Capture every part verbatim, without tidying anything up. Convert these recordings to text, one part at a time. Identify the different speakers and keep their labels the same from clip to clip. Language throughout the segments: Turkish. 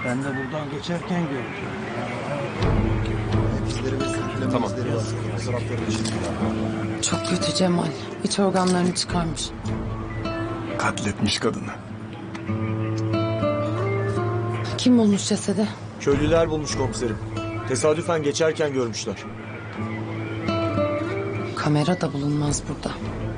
Speaker 1: Ben de buradan geçerken gördüm.
Speaker 2: İzleri ve sürükleme
Speaker 3: Tamam.
Speaker 2: izleri var. Fotoğrafları için.
Speaker 4: Çok kötü Cemal. İç organlarını çıkarmış.
Speaker 3: Katletmiş kadını.
Speaker 4: Kim bulmuş cesedi?
Speaker 5: Köylüler bulmuş komiserim. Tesadüfen geçerken görmüşler.
Speaker 4: Kamera da bulunmaz burada.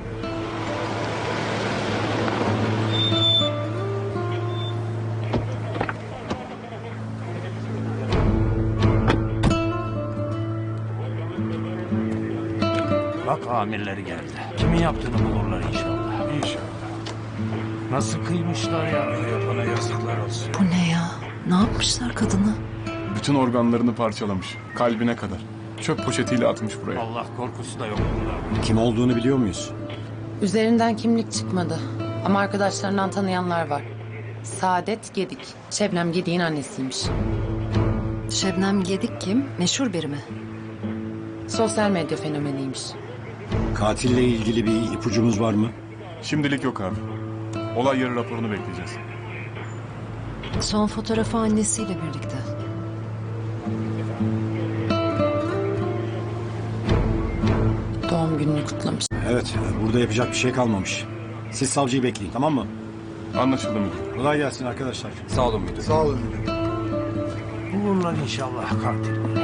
Speaker 1: Bak amirleri geldi. Kimin yaptığını bulurlar inşallah. İnşallah. Nasıl kıymışlar ya? Yapana yazıklar olsun.
Speaker 6: Bu ne ya? Ne yapmışlar kadını?
Speaker 3: Bütün organlarını parçalamış. Kalbine kadar. Çöp poşetiyle atmış buraya.
Speaker 1: Allah korkusu da yok bunlarda.
Speaker 7: Kim olduğunu biliyor muyuz?
Speaker 4: Üzerinden kimlik çıkmadı. Ama arkadaşlarından tanıyanlar var. Saadet Gedik. Şebnem Gedik'in annesiymiş.
Speaker 6: Şebnem Gedik kim? Meşhur biri mi?
Speaker 4: Sosyal medya fenomeniymiş.
Speaker 7: Katille ilgili bir ipucumuz var mı?
Speaker 3: Şimdilik yok abi. Olay yeri raporunu bekleyeceğiz.
Speaker 6: Son fotoğrafı annesiyle birlikte.
Speaker 4: Doğum gününü kutlamış.
Speaker 7: Evet, burada yapacak bir şey kalmamış. Siz savcıyı bekleyin, tamam mı?
Speaker 3: Anlaşıldı müdür.
Speaker 7: Kolay gelsin arkadaşlar.
Speaker 3: Sağ olun müdür.
Speaker 2: Sağ olun müdürüm.
Speaker 1: Bulurlar inşallah katil.